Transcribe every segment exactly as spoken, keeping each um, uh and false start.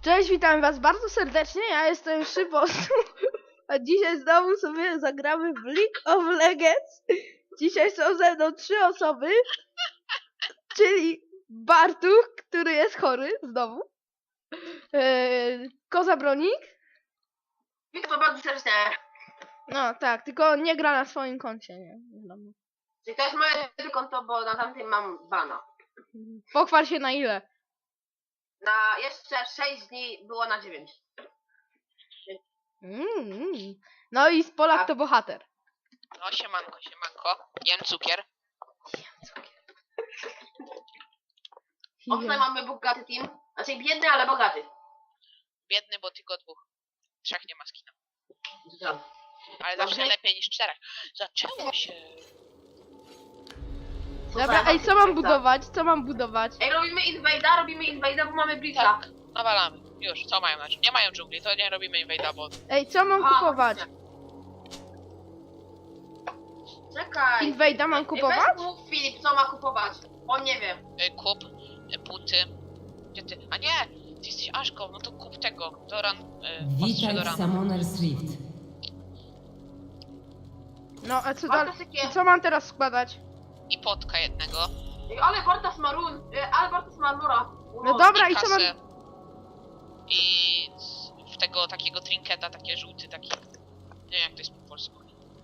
Cześć, witam was bardzo serdecznie, ja jestem Szybosu, a dzisiaj znowu sobie zagramy w League of Legends. Dzisiaj są ze mną trzy osoby, czyli Bartuch, który jest chory, znowu, yy, Koza Bronik. Witam bardzo serdecznie. No tak, tylko nie gra na swoim koncie, nie? Wiadomo. Czyli to jest moje konto, bo na tamtym mam bana. Pochwal się na ile. Na jeszcze sześć dni było na dziewięć. Mm, no i z Polak to bohater. No siemanko, siemanko. Jem cukier. O, tutaj mamy bogaty team. Znaczy biedny, ale bogaty. Biedny, bo tylko dwóch. Trzech nie ma skina. Dobra. Ale Dobrze. zawsze lepiej niż czterech. Zaczęło się. Dobra, ej, co mam budować? Co mam budować? Ej, robimy invade'a, robimy invade'a, bo mamy blitza. Tak, nawalamy. Już, co mają na czym? Nie mają dżungli, to nie robimy invade'a, bo... Ej, co mam A, kupować? Czekaj. Invade'a mam Ej, kupować? weź mów Filip, co ma kupować. On nie wie. Y, kup, y, buty. Gdzie ty? A nie! Ty jesteś Aszką, no to kup tego. Doran, y, ostrze Witaj w Dorana. Summoner's Rift. No, a co Bartas dalej? takie... Co mam teraz składać? I potka jednego. Ej, ale Bartas ma run. Ej, ale Bartas ma mura. No dobra, I i co mam... kasę. I z- w tego takiego trinketa, takie żółty, taki... Nie wiem jak to jest po polsku.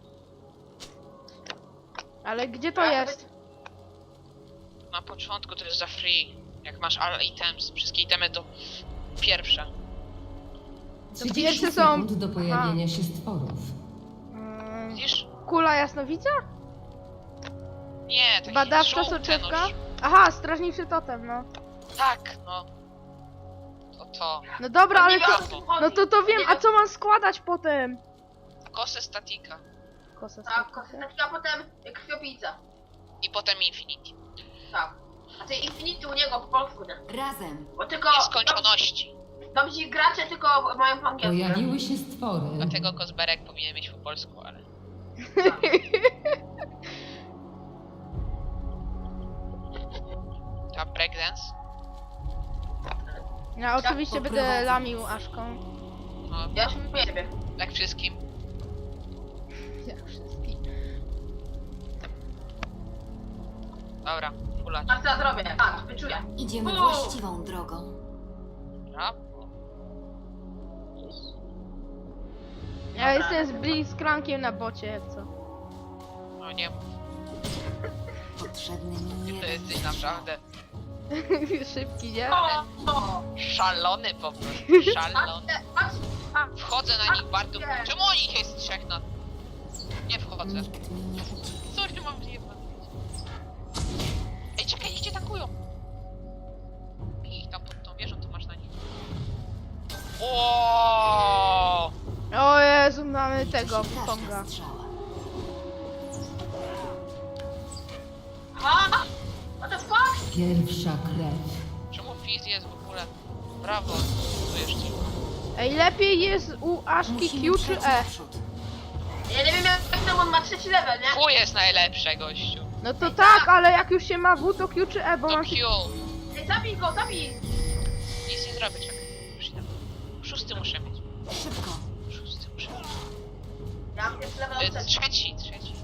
Ale gdzie to Ja jest? Na początku to jest za free. Jak masz all items, wszystkie itemy to pierwsze. trzydzieści pierwsze są- sekund do pojawienia się stworów. Mm, Widzisz? Kula jasnowidza? Nie, takie Badawcza żółte, soczewka? no, Aha, strażniczy totem, no. tak, no. To to. No dobra, ale nie to... wiem, o co tu chodzi. No to to wiem, Nie a co mam składać potem? Kosę statika. Kosa Tak, statyka. kosmetyka, potem krwiopijca. I potem Infinity. Tak. A ty Infinity u niego po polsku, nie? Razem. Bo tylko... Nieskończoności. Dobrzy gracze tylko mają po angielsku. nie? Pojawiły się stwory. Dlatego Kozberek powinien mieć po polsku, ale... Ta breakdance? Ja oczywiście będę poprowadzę. lamił Aszką. No, Ja już mówię ciebie. jak wszystkim. Jak wszystkich. Dobra, ulać. A co ja zrobię? A, wyczuję. Idziemy O! właściwą drogą. Brawo. Ja jestem z Blitzcrankiem na bocie, jak co. No nie mów, Potrzebny mi ty to jeden jesteś naprawdę Szybki, nie? O, o. szalony po prostu. Szalony. Patrzcie, patrz, patrz. Wchodzę na nich bardzo... Czemu oni ich jest trzech na... Nie wchodzę. Nikt mi nie uciekł. Sorry, mam nie powiedzieć. Ej, czekaj, niech cię tankują. I ich tam pod tą wieżą, to masz na nich. O! O Jezu, mamy Liczy tego, się każda Konga. strzała. Ha? What the fuck? Pierwsza krew. Czemu Fizz jest w ogóle? Brawo, tu jeszcze. Ej, lepiej jest u Aszki Musimy Q czy przejść E? naprzód. Ja nie wiem jak tam on ma trzeci level, nie? Q jest najlepsze, gościu. No to tak, ale jak już się ma W, to Q czy E, bo To mam... Q. Ej, zabij go, zabij! Nic nie zrobię, czekaj. Już idę. Szósty muszę mieć. Szybko. Szósty muszę mieć. Ja mam jest level E, trzeci. trzeci, trzeci.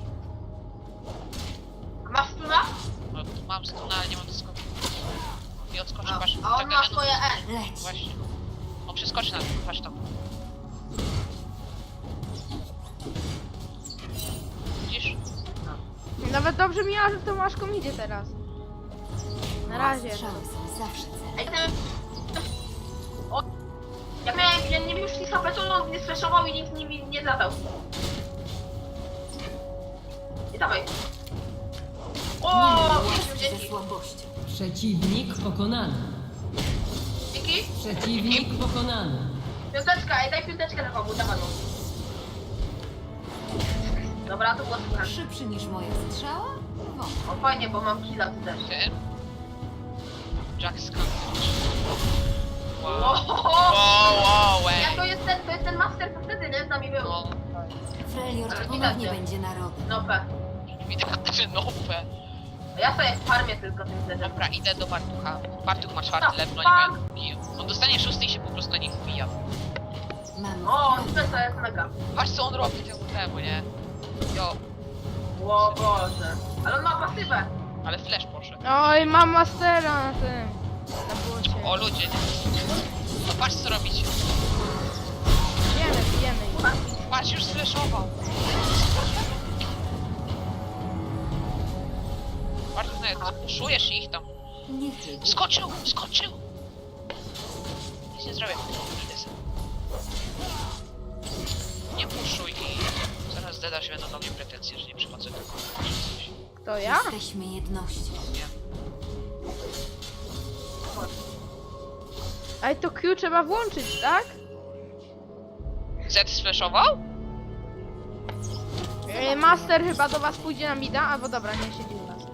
Masz stuna? No, tu mam stuna, ale nie mam skoku. I odskoczy, A, patrz. a on tak ma genu- swoje E. Leć. Właśnie. On przeskoczy na to, patrz tam. Widzisz? Nawet dobrze mi, że tą Aszką idzie teraz. Na razie. Strzały są zawsze cenne. Ej, ten... O... Ja miałem, ja nie wiem już nic H P, to on nie sfreszował i nikt nie, nie zadał. I dawaj. O, Ze dzięki. słabością. Przeciwnik pokonany. Dzięki. Przeciwnik pokonany. Piąteczka, ej, daj piąteczkę na komu, dawaj. Dobra, to było super. Szybszy niż moja strzała? Wątpię. O, fajnie, bo mam killa tu też. Ty? Jack Skunk. Wow. Wow. Wow, wow, ej. Ja to jest ten, to jest ten master, co wtedy, nie? Z nami był. No, Freljord Ale ponownie widać, będzie narodem. No pe. widać, że nowe. Ja sobie farmię tylko tym zderzem. Dobra, idę do Bartucha. Bartuch ma czwarty No, level, fuck. oni mają... On dostanie szósty i się po prostu na mam defensa, jest mega. Patrz co on robi temu temu, nie? Jo, O Boże. Ale on ma pasywę. ale flash poszedł. Oj, mam mastera na tym. Na błocie. O ludzie, nie? No patrz co robicie. Bijemy, bijemy ich. Patrz, już sflashował. Bardzo nawet, puszujesz ich tam. Nie chcę. Skoczył, skoczył! Nic nie zrobię. Idę sobie. Nie puszuj i zaraz dedasz będą do mnie pretensje, że nie przychodzę do kogoś. To ja? Jesteśmy jednością. Nie. Ale to Q trzeba włączyć, tak? Z sflashował? E, Master chyba do was pójdzie na mida, albo dobra, nie siedzi u nas.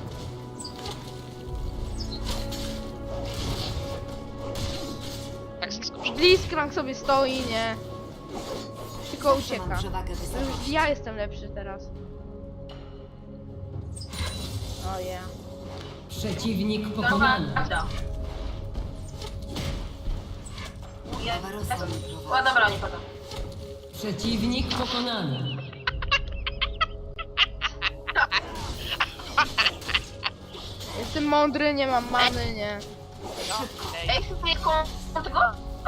Tak zaskoczył. Blitzcrank sobie stoi, nie? Tylko Zawsze mam ucieka. przewagę To już wysokości. ja jestem lepszy teraz. O ja. Przeciwnik Dobra, pokonany. prawda. Barbarossa mnie O, prowadzi. dobra, nie pada. Przeciwnik pokonany. Jestem mądry, nie mam many, nie. No, play, Ej, chcesz mnie koło tego?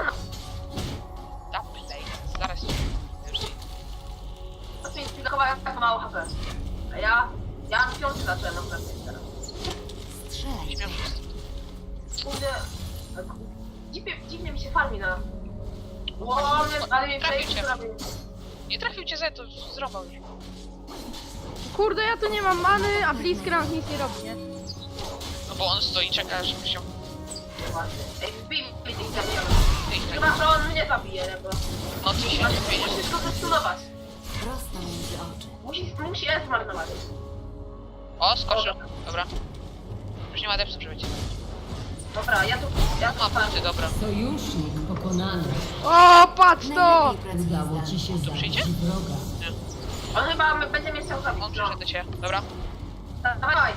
da play. Zaraz ci już ci- To jest chyba tak mało H P. A ja... Ja na piąty zacząłem na przykład teraz. Strzelaj. śmiał się. Kurde... Dziwnie, dziwnie mi się farmi na... Ło, ale- ale mnie Trafił tutaj cię. zrobił. Nie trafił cię Z, to zrobił już. Kurde, ja tu nie mam many, a Blitzcrank nic nie robi, nie? No bo on stoi i czeka, żeby się... Właśnie. Ej, wbij mi tych zabijamy. Ty ich tak... Chyba, że on mnie zabije, nie? Bo... No ty się nie wyjdziesz. Musisz go zestunować. Prosto między oczy. Musi, musi S zmarnować. O, skoczył. Dobra. Już nie ma depsy przebyć. Dobra, ja tu... Ja tu Ma punkty, dobra. Sojusznik pokonany. O, patrz to! Najlepiej pracuję Udało ci się przyjdzie? zabić wroga. On chyba my- będzie mnie chciał zabić. On No. przyszedł do ciebie. Dobra. Dawaj.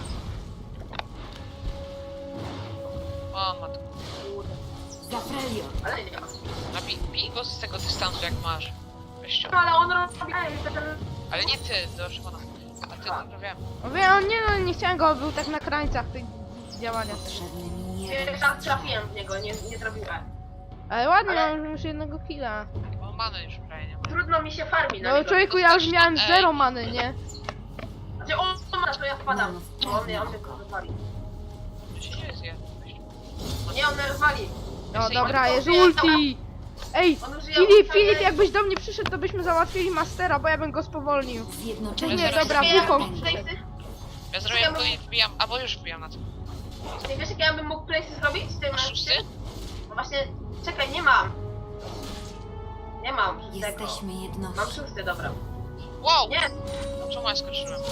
O, ma to. Za Freljord. Ale nie ma. A bij, bij go z tego dystansu jak masz. Weź No, ale on robi... Ej, ten... Ale nie ty, do Szymona. A ty, dobra, wiem. O, wie, on nie no, nie chciałem go, był tak na krańcach tych działania. Potrzebny mi jeden Pierwszy raz strzał. trafiłem w niego, nie, nie zrobiłem. Ale ładnie, Ale- mam już jednego killa. Bo many już prawie nie ma. Trudno mi się farmi na No niego. człowieku, ja już miałem Ej. zero many, nie? Znaczy on ma, to ja wpadam. No, Bo on mnie, on mnie rozwali. To się nie zje. Weź. Nie, on mnie rozwali. No Jest dobra, on jest użyje- ulti! Ej, On użyje Filip, ulta, Filip, ale- jakbyś do mnie przyszedł, to byśmy załatwili Mastera, bo ja bym go spowolnił. Zjednoczeni Nie, Zaraz dobra, Nie, ja Wukong. bym mógł place'y... Ja zrobię to i wbijam, albo już wbijam na to. Nie wiesz, jak ja bym mógł place'y zrobić? Z tym, Masz szósty? No właśnie, czekaj, nie mam. Nie mam szóstego. Jesteśmy Mam jednością. szósty, dobra. Wow! Nie, Czemu ja skoczyłem?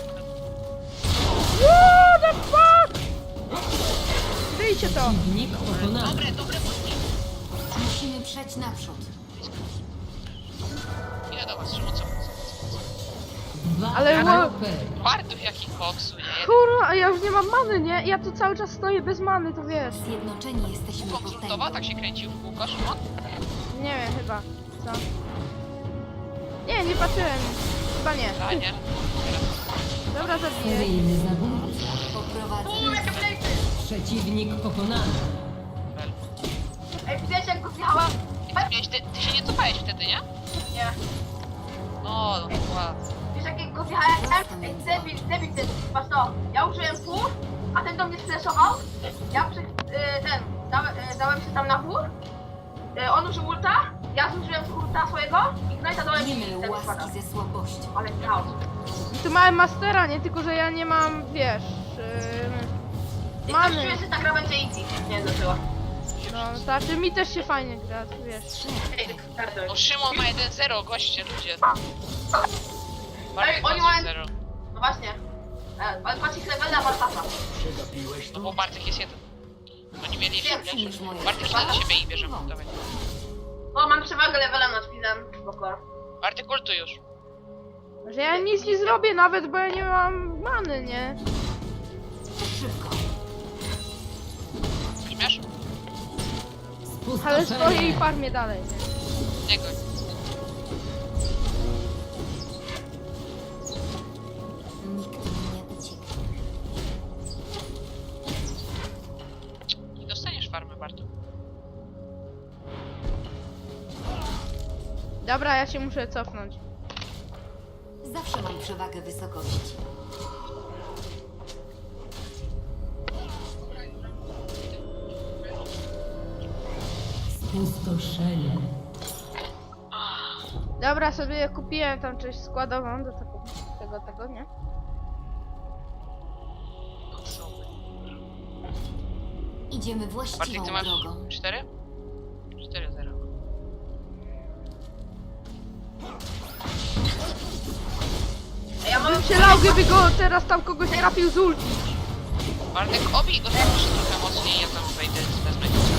What the fuck? Wyjcie to! Przeciwnik pokonany. Dobre, dobre błędy. Musimy przejść naprzód. Ile do was, Szymon, co? Dwa Ale H wo- P. Bardów jakich koksu, nie? Jeden Kurwa, a ja już nie mam many, nie? Ja tu cały czas stoję bez many, to wiesz. Zjednoczeni jesteśmy konsultowa, potęgą. tak się kręcił w kółko, Szymon? Nie wiem, chyba. Co? Nie, nie patrzyłem. Chyba nie. A nie. Dobra, zabiję. Seryjny zabójca. Poprowadzę. Uuu, jakie place'y! Przeciwnik pokonany. Fel. Ej, widziałeś jak go zjechała? I ty, miałeś, ty, ty się nie cofałeś wtedy, nie? Nie. No, no ładnie. Wiesz jak go zjechałem? Ej, debil, debil ten, patrz to. Ja użyłem pół, a ten do mnie sflashował. Ja przy... Y, ten, dałem, y, dałem się tam na pół. Y, on użył ulta, ja zużyłem ulta swojego i Ignite'a dałem Nie i myl ten spada. łaski ze słabością. Ale chaos. I tu mamy Mastera, nie? Tylko, że ja nie mam, wiesz... Yy, I Mamy. coś czuję, że ta gra będzie easy. Nie wiem dlaczego. no, znaczy mi też się fajnie gra, wiesz. Ej, kartę. No Szymon ma jeden zero, goście, ludzie. Ej, Bartek oni ma mają- zero. No właśnie. E, ale patrz ich levela Bartasa. No bo Bartek jest jeden. Oni mieli Więcej więcej. niż moje. Bartek na siebie i bierzemy. Dawaj. O, mam przewagę levela nad Fizem. Spoko. Bartek ultuj już. Że ja nic nie zrobię nawet, bo ja nie mam many, nie? Szybko. Śmiesz? Ale stoję i Spustoszenie. farmię dalej, nie? Nie goń. Dobra, ja się muszę cofnąć. Zawsze mam przewagę wysokości. Spustoszenie. Dobra, sobie kupiłem tam część składową do tego, tego, tego, nie? Idziemy Bartek, właściwą ty masz drogą. cztery? cztery zero. Ej, ja mam... Bym się lał, gdyby go teraz tam kogoś trafił z ulti. Bartek, obij go tam jeszcze trochę mocniej, ja tam wejdę, wezmę cię.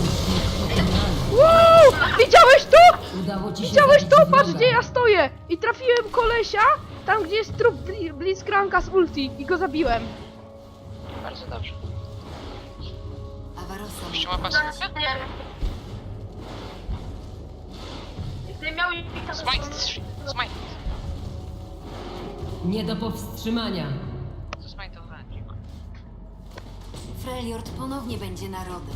Wow! Widziałeś to? Udało ci się Widziałeś zabić to? wroga. Patrz, gdzie ja stoję! I trafiłem kolesia, tam gdzie jest trup Bli- Blitzcranka z ulti i go zabiłem. Bardzo dobrze. Awarosa. Jeszcze ma pasywkę? Nie. Gdybym miał... Smite, smite. Nie do powstrzymania. To smite'owanie, dziękuję. Freljord ponownie będzie narodem.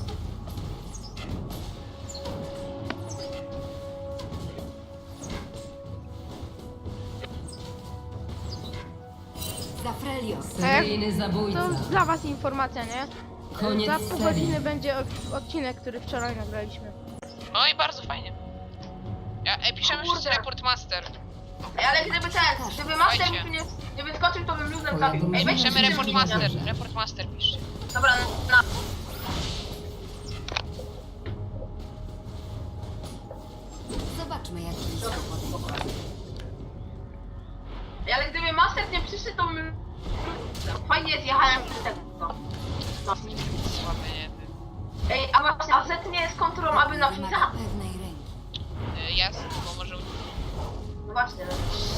Za Freljord. Seryjny zabójca. To dla was informacja, nie? Koniec Za pół serii. godziny będzie od- odcinek, który wczoraj nagraliśmy. No i bardzo fajnie. Ja, ej, piszemy Kurde. wszyscy report master. Ej, ale gdyby ten, gdyby master Słuchajcie. mi nie, nie wyskoczył, to bym luzem Twoja zabił. Ej, drużyna weź Piszemy się report zmienia. master, report master piszcie. Dobra, na... Zobaczmy, jak blisko podejdzie. Ej, ale gdyby master nie przyszedł, to bym... Fajnie zjechałem przez tego. No. Słaby, nie wiem. Ej, a właśnie, a Z nie jest kontrolą, aby na Wymaga Fiza? pewnej ręki. Y, Jasne, bo może... No właśnie.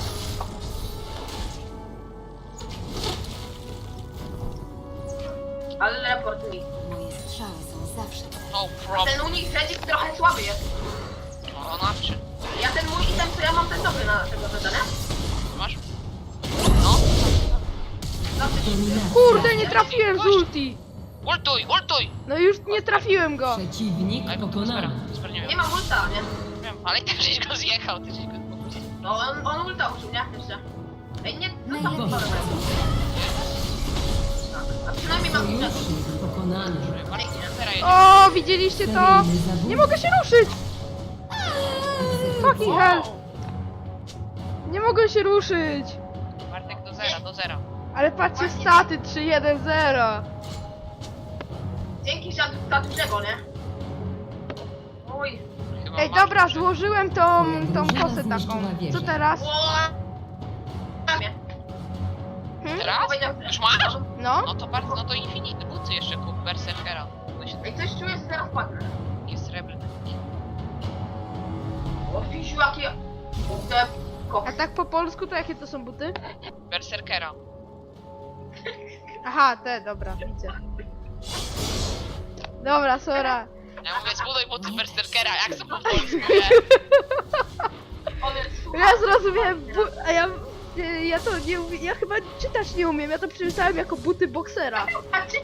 Ale report mi. Moje strzały są zawsze. No Ten problem. unik Fredzik trochę słaby jest. O, nawczy. Ja ten mój item, co ja mam, ten dobry na tego zadania. Masz? No. Zawsze się... Kurde, nie trafiłem z ulti! Ultuj, ultuj! No już nie trafiłem go! Przeciwnik Ej, bo to Spera, pokonany. Spera nie Nie wiem. mam ulta, nie? Wiem, ale i tak żeś go zjechał, ty żeś go... No on, on ulta użył, nie? Jeszcze. Ej, nie, no tam Najlepszy dobra. Tak, a przynajmniej mam ulta. Sojusznik pokonany. Bartek, Spera jedzie. O, widzieliście to? Seryjny zabójca. Nie mogę się ruszyć! Fucking hell! Nie mogę się ruszyć! Bartek do zera, do zera. Ale patrzcie, staty trzy jeden zero! Dzięki za, za dużego, nie? Oj. Chyba Ej, masz dobra, duży. złożyłem tą, tą Drużyna kosę taką. zniszczyła wieżę. Co teraz? O! Ramię. Hmm? Teraz? Powiedział- Już masz? No? No to bardzo, no to Infinite buty jeszcze kup, Berserkera. No się Ej, coś czuję, że zaraz padnę. takie srebrne. O, Fisiu, jakie... Te... A Koks. tak po polsku to jakie to są buty? Berserkera. Aha, te, dobra, widzę. Dobra, sora. Ja mówię, zbuduj buty Berserkera, jak to po polsku, nie? On jest super. Ja zrozumiałem, bu- a ja, nie, ja to nie umiem, ja chyba czytać nie umiem, ja to przeczytałem jako buty boksera. A czy...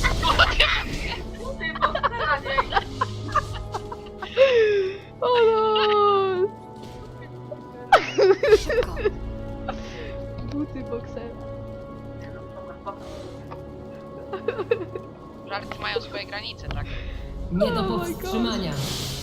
Ty, bo nie. O no! Szybko. Buty boksera. Żarty mają swoje granice, tak? Nie do Oh my powstrzymania.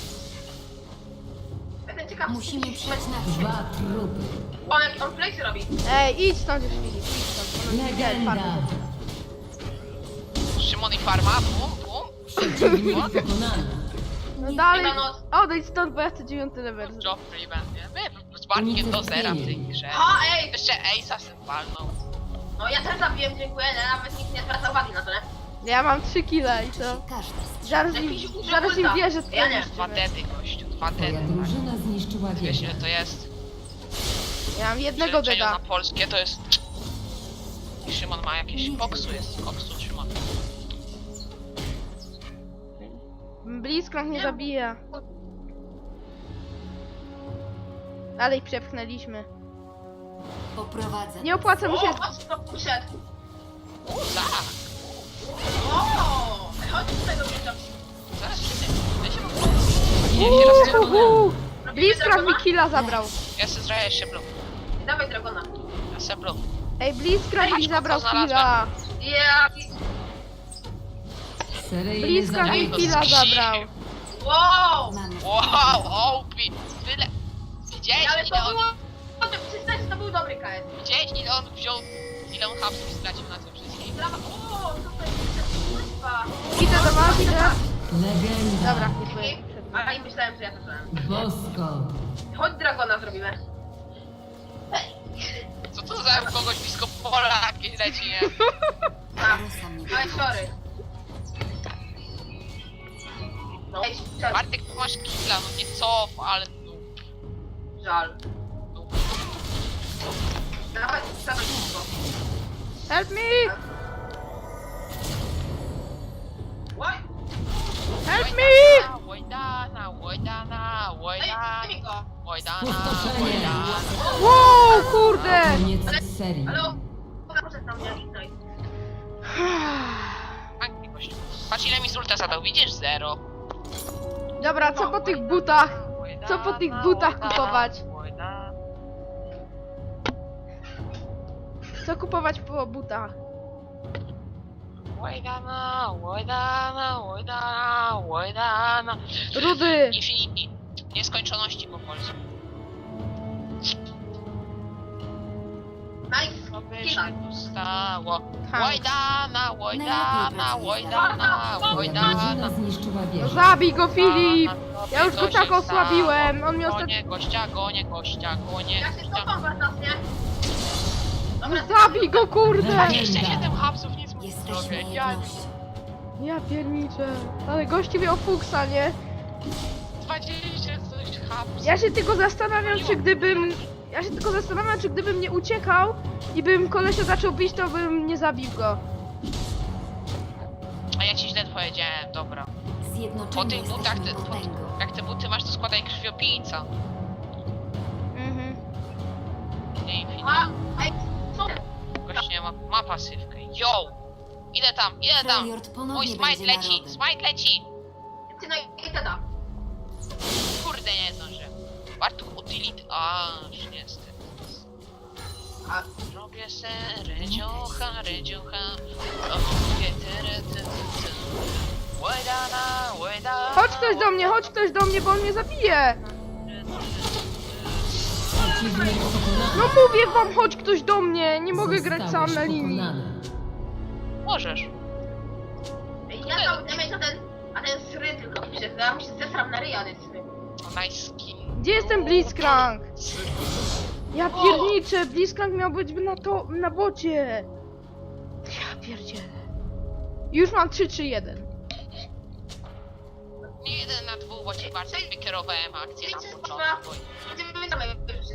Będę ciekaw, Musimy przejść na Dwa trupy. On jak on place robi. Ej, idź stąd już, Filip, idź stąd. Ono nie widać, Legenda. farmy. Szymon i Farma, bum, bum. Przeciwnik pokonany. No dalej, Dobranoc. odejdź stąd, bo ja chcę dziewiąty level. zrobić. Joffrey będzie. My z Bartkiem do zera w tej grze. Ha, ej! Jeszcze Ace'a sobie walnął. No ja też zabiłem, dziękuję, nie? Nawet nikt nie zwraca uwagi na to, nie? Ja mam trzy kile i to... każdy strzał. Zaraz im, Jakiś użył zaraz im ulta. wierzę, Ja nie. Dwa dedy, gościu, dwa Twoja dedy. drużyna zniszczyła Wiesz wieżę. ile to jest? Ja mam jednego Przeliczeniu deda. na polskie to jest... I Szymon ma jakieś koksu, jest koksu Szymon. Blitzcrank nie zabija. Ale ich przepchnęliśmy. Poprowadzę. Nie opłaca mi się... O, chodź, to przyszedł. Tak, O, chodź z tego miejsca. zaraz wszyscy... Ja się mam... Nie, się Uuu, rozciągnę. uuu. Blitzcrank mi killa zabrał. Ja se zrobię jeszcze blue. Dawaj dragona. Ja se blue. Ej, Blitzcrank mi Ej, zabrał co znalazłem? killa. Ja... Seryjny Blitzcrank mi zabójca. killa zabrał. Wow! Mamy Wow, Opi! Tyle! Widziałeś Ale ile to on... było... To przyznać, że to był dobry K S. Widziałeś ile on wziął... Ile on hapsów stracił na tym wszystkim? Brawa. O, co to jest? Kurwa. Idę do was, idę. Legenda. Dobra, nie byłem. A i myślałem, że ja to zrobiłem. Bosko. Chodź dragona zrobimy. Co to za kogoś blisko pola jakieś leci, nie? Tak. Rosa mnie Ale sorry. No. Ej, sorry. Bartek, tu masz killa, no nie cof, ale no... Żal. no. Dawaj, dawaj szybko. Help me! Oj! Help me! Łojdana, łojdana, Ej, łojdana, daj mi go. łojdana, Spustoszenie. łojdana. Wow, kurde! Koniec serii. Ale o... Proszę tam nie linaj. Pięknie, gościu. Patrz ile mi z ulta zadał, widzisz? Zero. Dobra, co po tych butach? Co po tych butach kupować? Łojdana. Co kupować po butach? Łojdana, łojdana, łojdana, łojdana. Rudy! Infinity. Nieskończoności po polsku. Nice. Co by Killa. się tu stało? Tak. Łojdana, łojdana, łojdana, Twoja łojdana. drużyna zniszczyła No wieżę. zabij go, Filip! Ja już go Co tak się osłabiłem, stało? on mnie ostatnio... Gonie gościa, gonie gościa, gonie Ja się gościa. cofam was, nie? No zabij go, kurde! dwadzieścia siedem hapsów nic mu nie Jesteśmy zrobię. Ja jednością. Ja pierniczę. Ale gości miał fuksa, nie? dwadzieścia coś hapsów. Ja się tylko zastanawiam, czy gdybym... Ja się tylko zastanawiam, czy gdybym nie uciekał i bym kolesia zaczął bić, to bym nie zabił go. A ja ci źle powiedziałem, dobra. Po Zjednoczeni tych butach, jesteśmy te, po, potęgą. jak te buty masz, to składaj krwiopijca. Mhm. Nie Infinity. A, ej, co? Gość nie ma, ma pasywkę. Yo! Ile tam, ile tam? Freljord Mój ponownie smite będzie leci, narodem. smite leci! Ty no i teda. Kurde, nie zdążę. Warto utility... A, już niestety. A, Robię se rydziocha, rydziocha. Robię tyry, ty, ty, ty. Łojdana, łojdana. Chodź ktoś do mnie, chodź ktoś do mnie, bo on mnie zabije! Przeciwnik pokonany. No mówię wam, chodź ktoś do mnie! Nie mogę grać Zostałeś sam na linii. pokonany. Możesz. ej, ja cały damage, a ten... A ten sry tylko pisze. Ja mu się zesram na ryja, ale sry. O, nice skin. Gdzie jest ten Blitzcrank? Ja pierniczę, Blitzcrank miał być na to, na bocie. Ja pierdzielę. Już mam trzy trzy jeden. Nie jeden na dwóch, bo ci bardzo wykierowałem akcję na Wiecie, początku. Będziemy same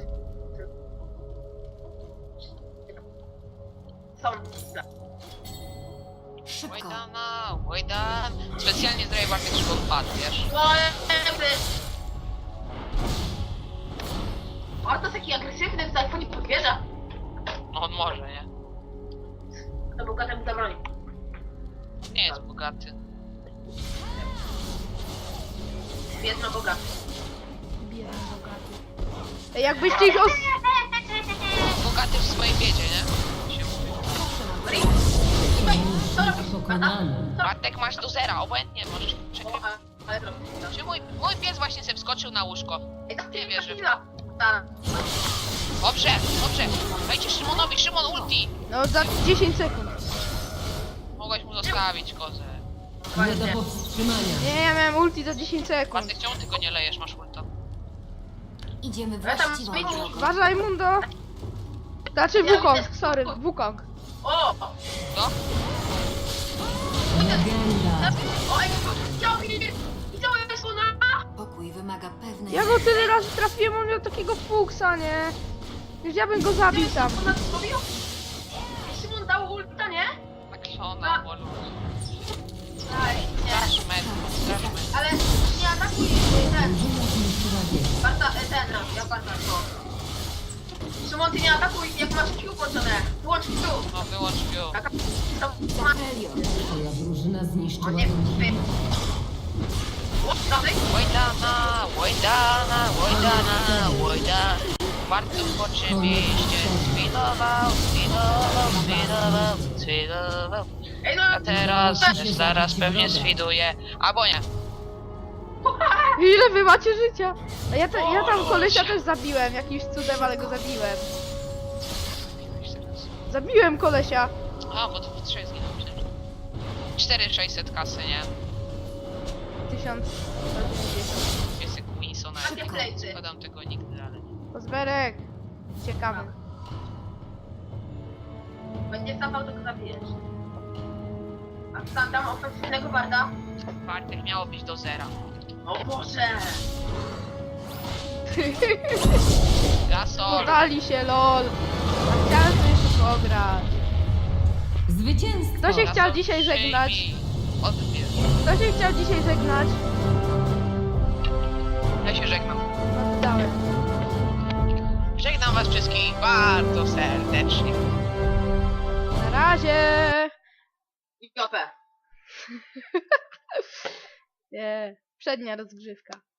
Są. Szybko. Łojdana, łojdan. Specjalnie zrobię Bartek, żeby odpadł, wiesz? O, to jest taki agresywny w telefonie podwierza. No on może, nie? To był temu zabroni. Nie jest bogaty. Biedno bogaty. Biedny bogaty. Ej, jakbyście ich os... Bogaty w swojej biedzie, nie? Się mówi. Przeciwnik pokonany. Bartek masz do zera, obojętnie możesz O, przegrywać. ale- ale drogi. Czy mój, mój pies właśnie sobie wskoczył na łóżko? Ej, tak Nie wierzę. Tak. Dobrze, dobrze. Dajcie Szymonowi, Szymon ulti. No za dziesięć sekund. Mogłeś mu zostawić kozę. Nie do powstrzymania. Nie, ja miałem ulti za dziesięć sekund. Bartek, czemu ty go nie lejesz, masz ulta? Idziemy Ja tam właściwą zmienił- drogą. Uważaj, Mundo. Znaczy Wukong, sorry, Wukong. O! No? Legenda. O, ej, chciał mi... Chciał mi słona! Pokój wymaga pewnej... Ja go tyle razy trafiłem, on miał takiego fuksa, nie? Już ja bym go zabił tam. Ona to zrobił? Szymon dał ulta, nie? Tak szona, bolu. Aj, nie. Straż med, straż med. Ale nie atakuj ten. Drużyna zniszczyła wieżę. Barta, e, ten, ja Barta, to. Szymon, ty nie atakuj, jak masz Q włączone. Wyłącz Q. No wyłącz pił. Taka... To... Za Freljord. Twoja drużyna O zniszczyła nie, drużynę. O, dalej? Łojdana, łojdana, łojdana. Łojdana, łojda. Warto oczywiście zwidował, zwidował, zwidował, zwidował. Ej no, A teraz zaraz pewnie zwiduje. Albo nie. Ile wy macie życia? A ja, te, ja tam kolesia też zabiłem, jakimś cudem, ale go zabiłem. Zabiłem kolesia. A, bo to w trzech zginął przecież. cztery tysiące sześćset kasy, nie? tysiąc dziewięćdziesiąt. Jest Winsona. Takie plejty. Podam tego nigdy, ale nie. Pozberek. Ciekawy. będzie zapał, to go zabijesz. A tam dam ofensywnego barda. Bartek miało być do zera. O Boże! Gasol! Podali się, lol. A chciałem sobie szybko grać. Zwycięstwo! Kto się chciał Gasol, dzisiaj żegnać? przyjmij. Odbierz. Kto się chciał dzisiaj żegnać? Ja się żegnam. Oddałem. Żegnam was wszystkich bardzo serdecznie. Na razie. I G P. Nie. Przednia rozgrzewka.